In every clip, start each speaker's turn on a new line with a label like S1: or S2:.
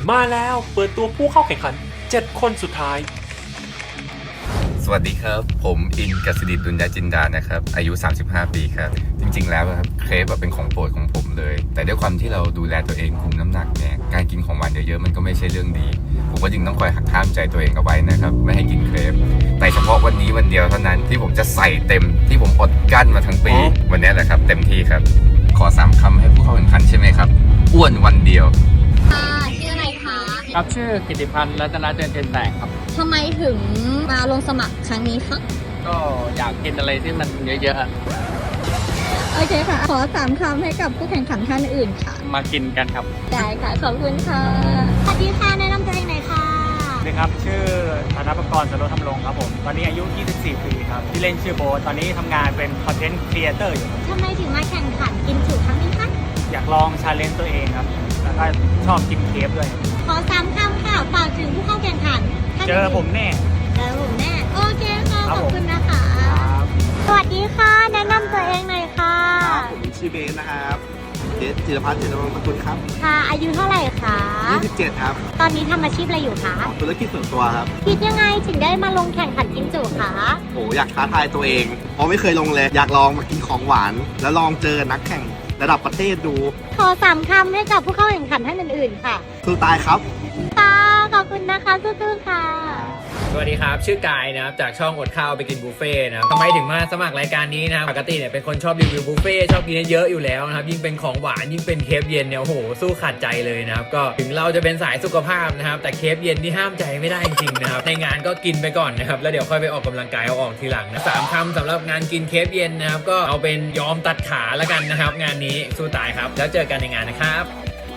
S1: มาแล้วเปิดตัวผู้เข้าแข่งขัน 7 คนสุดท้าย
S2: สวัสดีครับผมอินกสิดิตดุลยจินดานะครับอายุ35 ปีครับจริงๆแล้วครับเครปเป็นของโปรดของผมเลยแต่ด้วยความที่เราดูแลตัวเองคุมน้ำหนักเนี่ยการกินของหวานเยอะๆมันก็ไม่ใช่เรื่องดีผมก็จึงต้องคอยหักห้ามใจตัวเองเอาไว้นะครับไม่ให้กินเครปแต่เฉพาะวันนี้วันเดียวเท่านั้นที่ผมจะใส่เต็มที่ผมอดกั้นมาทั้งปีวันนี้แหละครับเต็มที่ครับขอ3คำให้ผู้เข้าแข่งขันใช่ไหมครับอ้วนวันเดียว
S3: ค่ะชื่ออะไรคะ
S4: ครับชื่อกิติพันธ์รัตนเจริญเจนแตกครับ
S3: ทำไมถึงมาลงสมัครครั้งนี้คะ
S4: ก็อยากกินอะไรที่มันเยอะๆอะ
S3: โอเคค่ะ ขอ3 คำให้กับผู้แข่งขันท่านอื่นค่ะ
S4: มากินกันครับ
S3: ได้ค่ะ ขอบคุณค่ะ สวัสดีค่ะ แนะนำตัวเองหน่อยค่ะ
S5: สวัสดีครับ ชื่อธนประกรณ์ สโรธรรมรงค์ครับผม ตอนนี้อายุ 24 ปีครับ ที่เล่นชื่อโบ๊ทตอนนี้ทำงานเป็นคอนเทนต์ครีเอเตอร์อยู่ครับ
S3: ทำไมถึงมาแข่งขันกินจุครั้งนี้คะ
S5: อยากลองชาเลนจ์ตัวเองครับ แล้วก็ชอบกินเคฟด้วย
S3: ขอ3 คำค่ะ ฝากถึงผู้เข้าแข่งขันท่าน
S5: เจอผมแน่
S3: เจอผมแน่ โอเคค่ะ
S5: ครั
S3: ข
S5: บ
S3: อบคุณนะคะ
S5: ครับ
S3: สวัสดีค่ะ แนะนำตัวเองหน่อยค่ะ
S6: ครับผมชื่อเบสนะครับเบสจิรพัฒน์เจริญรงค์ตระกูลครับ
S3: ค่ะ อายุเท่าไหร่คะ
S6: 27 ครับ
S3: ตอนนี้ทำอาชีพอะไรอยู่คะ
S6: ธุรกิจส่วนตัวครับ
S3: คิดยังไงถึงได้มาลงแข่งขันกินจุคะ
S6: โหอยากท้าทายตัวเอง เพราะไม่เคยลงเลย อยากลองมากินของหวาน แล้วลองเจอนักแข่งระดับประเทศดู
S3: ขอ3 คำให้กับผู้เข้าแข่งขันท่านอื่นๆค่ะ
S6: สู้ตายครับ
S3: ค่ะ ขอบคุณนะคะสู้ๆค่ะ
S7: สวัสดีครับชื่อกายนะครับจากช่องอดข้าวไปกินบุฟเฟ่ต์นะครับทำไมถึงมาสมัครรายการนี้นะครับปกติเนี่ยเป็นคนชอบรีวิวบุฟเฟ่ต์ชอบกินเยอะๆอยู่แล้วนะครับยิ่งเป็นของหวานยิ่งเป็นเคฟเย็นเนี่ยโอ้โหสู้ขาดใจเลยนะครับก็ถึงเราจะเป็นสายสุขภาพนะครับแต่เคฟเย็นนี่ห้ามใจไม่ได้จริงๆนะครับในงานก็กินไปก่อนนะครับแล้วเดี๋ยวค่อยไปออกกำลังกายเอาออกทีหลังนะ3 คำสำหรับงานกินเคฟเย็นนะครับก็เอาเป็นยอมตัดขาแล้วกันนะครับงานนี้สู้ตายครับแล้วเจอกันในงานนะครับ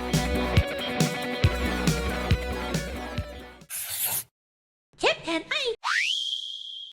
S3: เชฟแทนไอ